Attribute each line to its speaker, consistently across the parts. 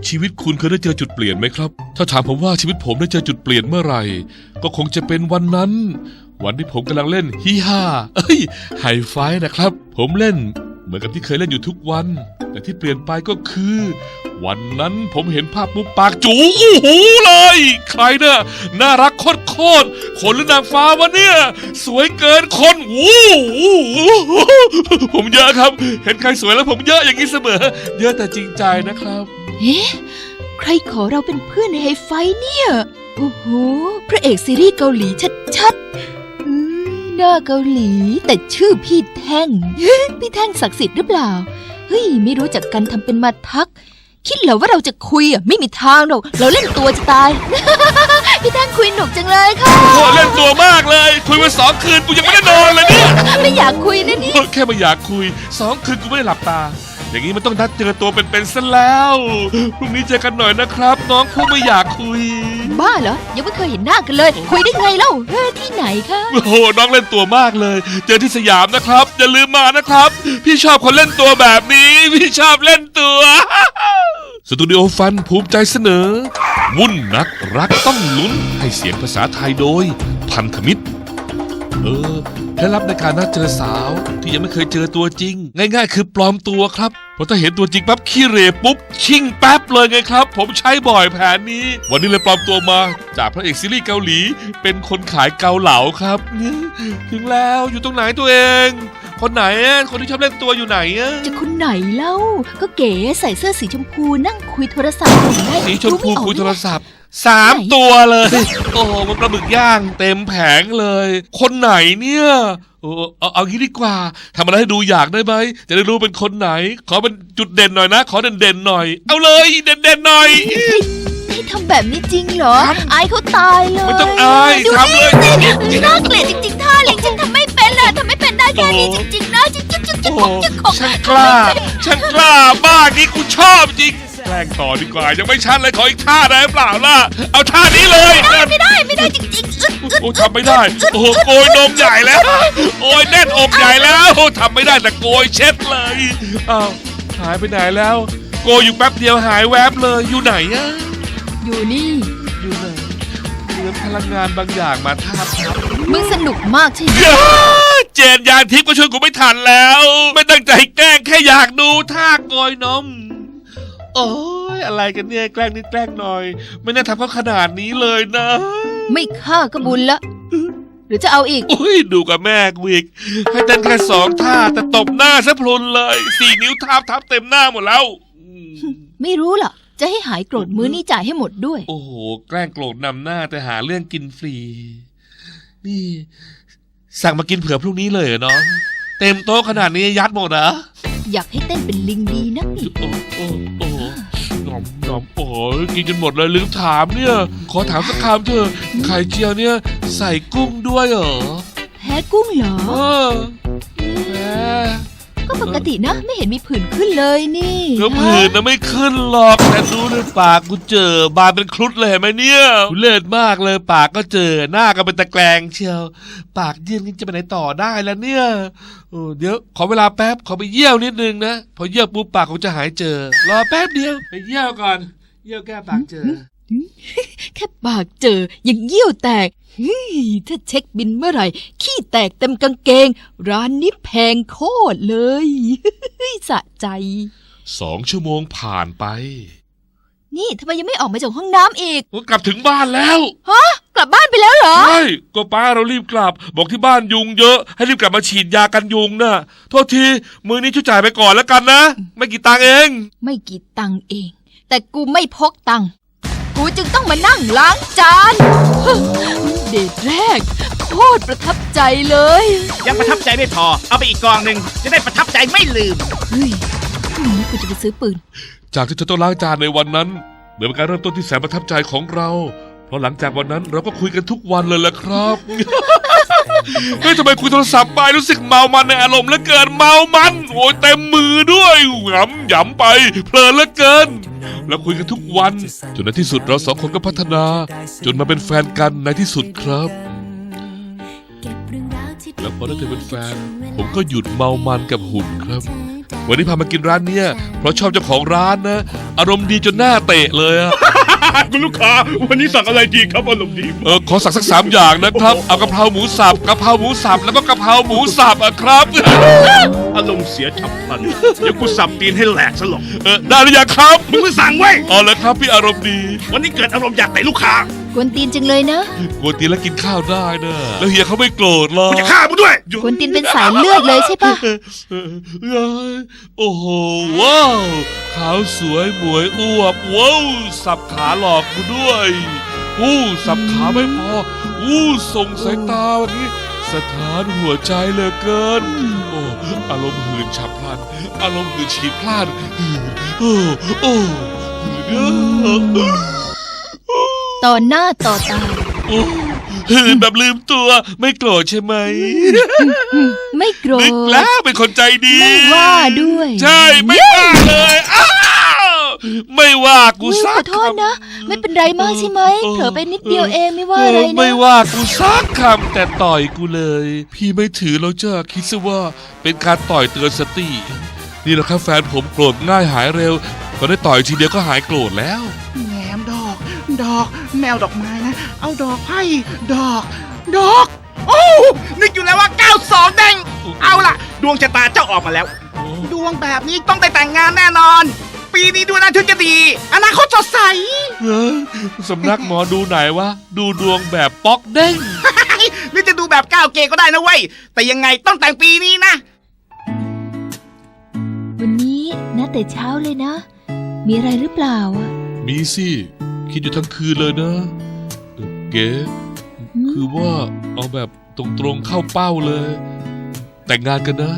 Speaker 1: ชีวิตคุณเคยได้เจอจุดเปลี่ยนไหมครับถ้าถามผมว่าชีวิตผมได้เจอจุดเปลี่ยนเมื่อไหร่ก็คงจะเป็นวันนั้นวันที่ผมกำลังเล่นฮีฮ่าไฮไฟว์นะครับผมเล่นเหมือนกับที่เคยเล่นอยู่ทุกวันแต่ที่เปลี่ยนไปก็คือวันนั้นผมเห็นภาพปุ๊บปากจูอู้หูเลยใครเนี่ยน่ารักโคตรคนหรือนางฟ้าวะเนี่ยสวยเกินคนผมเยอะครับเห็นใครสวยแล้วผมเยอะอย่างนี้เสมอเยอะแต่จริงใจนะครับ
Speaker 2: เอ๊ะใครขอเราเป็นเพื่อนในไฮไฟเนี่ยโอ้โหพระเอกซีรีส์เกาหลีชัดๆหน้าเกาหลีแต่ชื่อพี่แท่ง พี่แท่งศักดิ์สิทธิ์หรือเปล่าเฮ้ยไม่รู้จักกันทำเป็นมาทักคิดเหรอว่าเราจะคุยอ่ะไม่มีทางหรอกเราเล่นตัวจะตาย พี่แท่งคุยหนุกจังเลยค่ะ
Speaker 1: โอ้เล่นตัวมากเลยคุยมา2 คืนกูยังไม่ได้นอนเลยเนี่ย
Speaker 2: ไม่อยากคุยนะนี่
Speaker 1: แค่ไม่อยากคุย2 คืนกูไม่ได้หลับตาอย่างนี้มันต้องนัดเจอตัวเป็นๆซะแล้วพรุ่งนี้เจอกันหน่อยนะครับน้องผู้ไม่อยากคุย
Speaker 2: บ้าเหรอยังไม่เคยเห็นหน้ากันเลยคุยได้ไงเล่าที่ไหนคะ
Speaker 1: โอ้โหน้องเล่นตัวมากเลยเจอที่สยามนะครับอย่าลืมมานะครับพี่ชอบคนเล่นตัวแบบนี้พี่ชอบเล่นตัวสตูดิโอฟันภูมิใจเสนอวุ่นนักรักต้องลุ้นให้เสียงภาษาไทยโดยพันธมิตรเคล็ดลับในการนัดเจอสาวที่ยังไม่เคยเจอตัวจริงง่ายๆคือปลอมตัวครับเพราะถ้าเห็นตัวจริงปั๊บขี้เหร่ปุ๊บชิ่งแป๊บเลยไงครับผมใช้บ่อยแผนนี้วันนี้เลยปลอมตัวมาจากพระเอกซีรีส์เกาหลีเป็นคนขายเกาเหลาครับถึงแล้วอยู่ตรงไหนตัวเองคนไหนคนที่ชอบเล่นตัวอยู่ไหน
Speaker 2: จะคนไหนเล่าก็เก๋ใส่เสื้อสีชมพูนั่งคุยโทรศัพท์อยู่ไง
Speaker 1: สีชมพูคุยโทรศัพท์3 ตัวเลยโอ้โหมันปลาหมึกย่างเต็มแผงเลยคนไหนเนี่ยเอางี้ดีกว่าทำอะไรให้ดูอยากได้ไหมจะได้รู้เป็นคนไหนขอเป็นจุดเด่นหน่อยนะขอเด่นๆหน่อยเอาเลยเด่นๆหน่อย
Speaker 2: ให้ทำแบบนี้จริงเหรออายเขาตายเลย
Speaker 1: ไม่ต้องอายทำเลย
Speaker 2: น่าเกลียดจริงๆท่าเล็งฉันทำไม่เป็นเลยทำไม่เป็นได้แค่นี้จริงๆนะจิ๊ก
Speaker 1: ฉันกล้ามากนี่กูชอบจริงแกล้งต่อดีกว่ายังไม่ชัดเลยขออีกท่าได้เปล่าล่ะเอาท่านี้เลย
Speaker 2: ไม่ได้จริงๆ
Speaker 1: โอ้ทำไม่ได้โอ้โหโกยนมใหญ่แล้วโอ้ยแน่นอกใหญ่แล้วทำไม่ได้แต่โกยเช็ดเลยอ้าวหายไปไหนแล้วโกยอยู่แป๊บเดียวหายแวบเลยอยู่ไหนอะ
Speaker 2: อยู่นี่
Speaker 1: อยู่ไหนเหมือนพลังงานบางอย่างมาทาบ
Speaker 2: มึงสนุกมากใช่ไหม
Speaker 1: เจนยานทิพย์ก็ช่วยกูไม่ทันแล้วไม่ตั้งใจแกล้งแค่อยากดูท่าโกยนมโอ้ยอะไรกันเนี่ยแกล้งนิดแกล้งหน่อยไม่น่าทำเขาขนาดนี้เลยนะ
Speaker 2: ไม่ฆ่าก็บุญละหรือจะเอาอีก
Speaker 1: อุ้ยดูกับแม่กูอีกให้เต้นแค่2 ท่าแต่ตบหน้าซะพลุนเลย4 นิ้วทับเต็มหน้าหมดแล้ว
Speaker 2: ไม่รู้ล่ะจะให้หายโกรธมื้อนี้จ่ายให้หมดด้วย
Speaker 1: โอ้โหแกล้งโกรธนำหน้าแต่หาเรื่องกินฟรีนี่สั่งมากินเผื่อพรุ่งนี้เลยเหรอน้องเต็มโต๊ะขนาดนี้ยัดหมดเหรอ
Speaker 2: อยากให้เต้นเป็นลิงดีนักนี่
Speaker 1: โอ้หนอมโอ้ยกินจนหมดเลยลืมถามเนี่ยขอถามสักคำเถอะไข่เจียวเนี่ยใส่กุ้งด้วยเหรอ
Speaker 2: แพ้กุ้งเหรอ
Speaker 1: แพ้
Speaker 2: ก็ปกตินะไม่เห็นมีผื่นขึ้นเลยนี่
Speaker 1: ก็ผื่นนะไม่ขึ้นหรอกแต่ดูในปากกูเจอบานเป็นครุฑเลยเห็นไหมเนี่ยเลิศมากเลยปากก็เจอหน้าก็เป็นตะแกรงเชียวปากยื่นนี่จะไปไหนต่อได้แล้วเนี่ยเดี๋ยวขอเวลาแป๊บขอไปเยี่ยวนิดนึงนะพอเยี่ยวปุ๊บปากคงจะหายเจอรอแป๊บเดียวไปเยี่ยวก่อนเยี่ยวแก้ปากเจอ
Speaker 2: แค่ปากเจอยังเยี่ยวแตกถ้าเช็คบินเมื่อไหร่ขี้แตกเต็มกางเกงร้านนี้แพงโคตรเลยสะใจ
Speaker 1: 2 ชั่วโมงผ่านไป
Speaker 2: นี่ทำไมยังไม่ออกมาจากห้องน้ำอีก
Speaker 1: กลับถึงบ้านแล้ว
Speaker 2: ฮะกลับบ้านไปแล้วเหรอ
Speaker 1: ใช่ก็ป้าเรารีบกลับบอกที่บ้านยุงเยอะให้รีบกลับมาฉีดยากันยุงนะโทษทีมื้อนี้ช่วยจ่ายไปก่อนแล้วกันนะไม่กี่ตังค์เอง
Speaker 2: ไม่กี่ตังค์เองแต่กูไม่พกตังค์กูจึงต้องมานั่งล้างจานเดทแรกโคตรประทับใจเลย
Speaker 3: ยังประทับใจไม่พอเอาไปอีกกองหนึ่งจะได้ประทับใจไม่ลืม
Speaker 2: เฮ้ยพรุ่งนี้กูจะไปซื้อปืน
Speaker 1: จากที่เธอต้องล้างจานในวันนั้นเหมือนเป็นการเริ่มต้นที่แสนประทับใจของเราเพราะหลังจากวันนั้นเราก็คุยกันทุกวันเลยแหละครับเฮ้ยทำไมคุยโทรศัพท์ไปรู้สึกเมามันในอารมณ์เหลือเกินเมามันโอ้ยเต็มมือด้วยหยำไปเพลินเหลือเกินแล้วคุยกันทุกวันจนในที่สุดเรา2 คนก็พัฒนาจนมาเป็นแฟนกันในที่สุดครับแล้วพอได้เธอเป็นแฟนผมก็หยุดเมามันกับหุ่นครับวันนี้พามากินร้านเนี้ยเพราะชอบเจ้าของร้านนะ อารมณ์ดีจนหน้าเตะเลยอะ
Speaker 4: คุณลูกค้าวันนี้สั่งอะไรดีครับอารมณ์ดี
Speaker 1: ขอสั่งสัก3อย่างนะครับ เอากะเพราหมูสับกะเพราหมูสับแล้วก็กะเพราหมูสับอะครับ
Speaker 4: อารมณ์เสียฉับพลันเดี๋ยวกูสับตีนให้แหลกซะหรอก
Speaker 1: ได้หรือยังครับ
Speaker 4: มึงไม่สั่งไว้
Speaker 1: อ๋อแล้วครับพี่อารมณ์ดี
Speaker 4: วันนี้เกิดอารมณ์อยากเตะลูกค้าก
Speaker 2: วนตีนจังเลยนะ
Speaker 1: กวนตีนแล้วกินข้าวได้นะแล้วเฮียเขาไม่โกรธหรอก
Speaker 4: กูจะฆ่ามึงด้วย
Speaker 2: กวนตีนเป็นสายเลือดเลยใช่ปะ
Speaker 1: โอ้โหว้าวขาวสวยหมวยอวบว้าวสับขาหลอกกูด้วยสับขาไม่พอส่งสายตาวันนี้สถานหัวใจเหลือเกินอารมณ์หื่นฉับพลันอารมณ์หื่นฉีดพลาด
Speaker 2: ต่อหน้าต่อตา
Speaker 1: หื่นแบบลืมตัวไม่โกรธใช่ไหม
Speaker 2: ไม่โกร
Speaker 1: นึก
Speaker 2: ธ
Speaker 1: แล้วเป็นคนใจดี
Speaker 2: ไม่ว่าด้วย
Speaker 1: ใช่ไม่ว่าเลยไม่ว่ากู
Speaker 2: อุ๊ย
Speaker 1: สั
Speaker 2: ขอก โทษ
Speaker 1: คำ
Speaker 2: นะ ไม่เป็นไรมากใช่ไหมเผลอไปนิดเดียวเองไม่ว่าอะไรนะ
Speaker 1: ไม่ว่ากูสักคำแต่ต่อยกูเลย พี่ไม่ถือแล้วจ้าคิดซะว่าเป็นการต่อยเตือนสติ นี่แหละครับแฟนผมโกรธง่ายหายเร็วพอได้ต่อยทีเดียวก็หายโกรธแล้ว
Speaker 3: แหนมดอกแมวดอกไม้นะ เอาดอกให้ดอก โอ้นึกอยู่แล้วว่า92เด้งเอาล่ะ ดวงชะตาเจ้าออกมาแล้ว ดวงแบบนี้ต้องได้แต่งงานแน่นอน ปีนี้ดวงอนาคตจะดี อนาคตสดใส
Speaker 1: สำนักหมอดูไหนวะ ดูดวงแบบป๊อกเด้ง
Speaker 3: หรือจะดูแบบก้าวเกย์ก็ได้นะเว้ย แต่ยังไงต้องแต่งปีนี้นะ
Speaker 2: วันนี้นะแต่เช้าเลยนะ มีอะไรหรือเปล่าอะ
Speaker 1: มีสิคิดอยู่ทั้งคืนเลยนะเก๋คือว่าเอาแบบตรงๆเข้าเป้าเลย แต่งงานกันนะ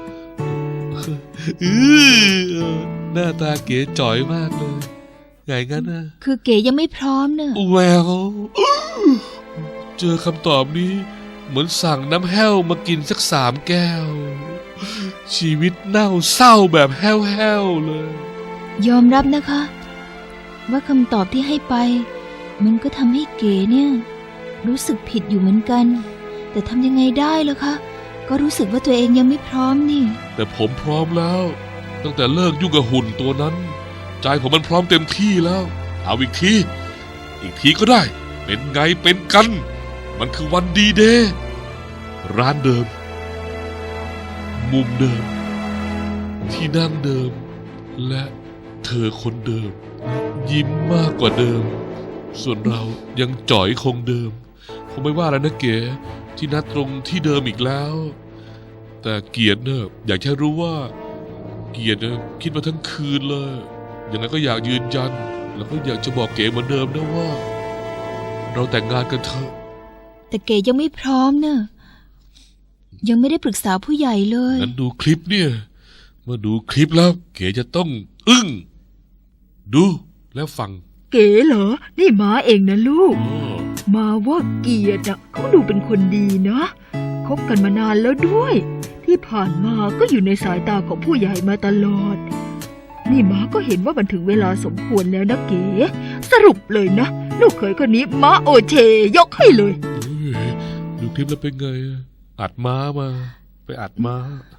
Speaker 1: หน้าตาเก๋จ๋อยมากเลยไงงั้นนะ
Speaker 2: คือเก๋ยังไม่พร้อมเนอะ
Speaker 1: แววเจอคำตอบนี้เหมือนสั่งน้ำแห้วมากินสัก3 แก้ว ชีวิตเน่าเศร้าแบบแห้วๆเลย
Speaker 2: ยอมรับนะคะ ว่าคำตอบที่ให้ไป มันก็ทำให้เก๋เนี่ย รู้สึกผิดอยู่เหมือนกัน แต่ทำยังไงได้ล่ะคะ ก็รู้สึกว่าตัวเองยังไม่พร้อมนี่
Speaker 1: แต่ผมพร้อมแล้ว ตั้งแต่เลิกยุ่งกับหุ่นตัวนั้น ใจผมมันพร้อมเต็มที่แล้ว เอาอีกทีก็ได้ เป็นไงเป็นกัน มันคือวันดีเดย์ร้านเดิม มุมเดิม ที่นั่งเดิม และเธอคนเดิม ยิ้มมากกว่าเดิม ส่วนเรายังจ่อยคงเดิมผมไม่ว่าแล้วนะเก๋ที่นัดตรงที่เดิมอีกแล้ว แต่เกียรติเนี่ยอยากแค่รู้ว่า เกียรติเนี่ยคิดมาทั้งคืนเลยยังไงก็อยากยืนยัน แล้วก็อยากจะบอกเก๋เหมือนเดิมนะว่า เราแต่งงานกันเถอะ
Speaker 2: แต่เก๋ยังไม่พร้อมเนอะยังไม่ได้ปรึกษาผู้ใหญ่เลย
Speaker 1: งั้นดูคลิปเนี่ยเมื่อดูคลิปแล้วเก๋จะต้องอึ้งดูแล้วฟัง
Speaker 5: เก๋เหรอ นี่ม้าเองนะลูก มาว่าเกียรติอะเขาดูเป็นคนดีนะคบกันมานานแล้วด้วย ที่ผ่านมาก็อยู่ในสายตาของผู้ใหญ่มาตลอด นี่ม้าก็เห็นว่ามันถึงเวลาสมควรแล้วนะเก๋สรุปเลยนะลูกเขยคนนี้ม้าโอเชยกให้เลย
Speaker 1: ดูคลิปแล้วเป็นไงอัดม้ามา ไปอัดม้า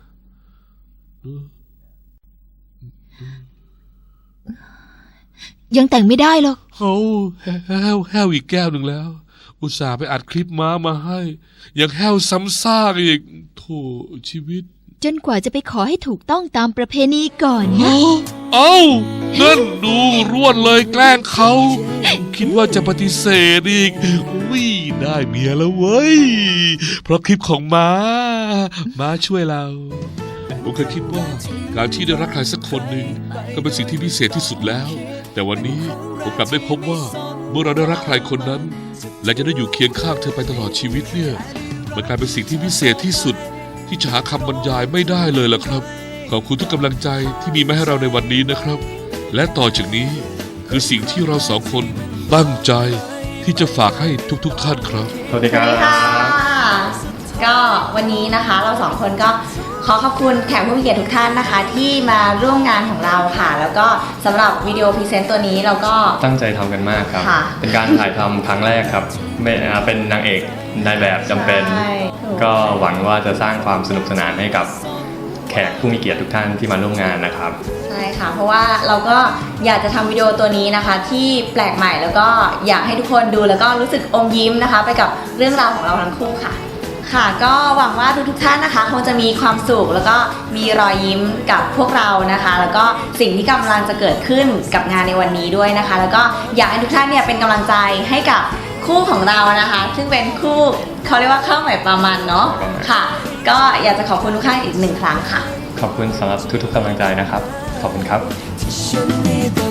Speaker 2: ยังแต่งไม่ได้หรอก
Speaker 1: เขาแห้วอีกแก้วหนึ่งแล้ว อุตส่าห์ไปอัดคลิปม้ามาให้ ยังแห้วซ้ำซากอีกโถชีวิต
Speaker 2: จนกว่าจะไปขอให้ถูกต้องตามประเพณีก่อนนะ
Speaker 1: เอ้านั่นดูรวดเลยแกล้งเขา คิดว่าจะปฏิเสธอีกอุ้ยได้เมียแล้วเว้ย เพราะคลิปของม้าช่วยเรา ผมเคยคิดว่าการที่ได้รักใครสักคนหนึ่งก็เป็นสิ่งที่พิเศษที่สุดแล้ว แต่วันนี้ผมกลับได้พบว่าเมื่อเราได้รักใครคนนั้น และจะได้อยู่เคียงข้างเธอไปตลอดชีวิตเนี่ยมันกลายเป็นสิ่งที่พิเศษที่สุดที่จะหาคำบรรยายไม่ได้เลยล่ะครับขอบคุณทุกกำลังใจที่มีมาให้เราในวันนี้นะครับ และต่อจากนี้คือสิ่งที่เราสองคนตั้งใจที่จะฝากให้ทุกท่านครับ
Speaker 6: สวัสดีครับ ก็วันนี้นะคะเราสองคนก็ขอขอบคุณแขกผู้มีเกียรติทุกท่านนะคะ ที่มาร่วมงานของเราค่ะ แล้วก็สำหรับวิดีโอพรีเซนต์ตัวนี้เราก็
Speaker 7: ตั้งใจทำกันมากครับ
Speaker 6: ค่ะ
Speaker 7: เป็นการถ่ายทำครั้งแรกครับเป็นนางเอกนายแบบจำเป็น
Speaker 6: ใช่ถูก
Speaker 7: ก็หวังว่าจะสร้างความสนุกสนานให้กับแขกผู้มีเกียรติทุกท่านที่มาร่วมงานนะครับ
Speaker 6: ใช่ค่ะ เพราะว่าเราก็อยากจะทำวิดีโอตัวนี้นะคะ ที่แปลกใหม่แล้วก็อยากให้ทุกคนดูแล้วก็รู้สึกอมยิ้มนะคะ ไปกับเรื่องราวของเราทั้งคู่ค่ะ ค่ะก็หวังว่าทุกท่านนะคะคงจะมีความสุขแล้วก็มีรอยยิ้มกับพวกเรานะคะ แล้วก็สิ่งที่กำลังจะเกิดขึ้นกับงานในวันนี้ด้วยนะคะ แล้วก็อยากให้ทุกท่านเนี่ยเป็นกำลังใจให้กับคู่ของเรานะคะ ซึ่งเป็นคู่เขาเรียกว่าข้าวใหม่ปลามันเนาะค่ะ ก็อยากจะขอบคุณทุกท่านอีกหนึ่งครั้งค่ะ
Speaker 7: ขอบคุณสำหรับทุกๆกำลังใจนะครับ ขอบคุณครับ
Speaker 8: ฉันมีแต่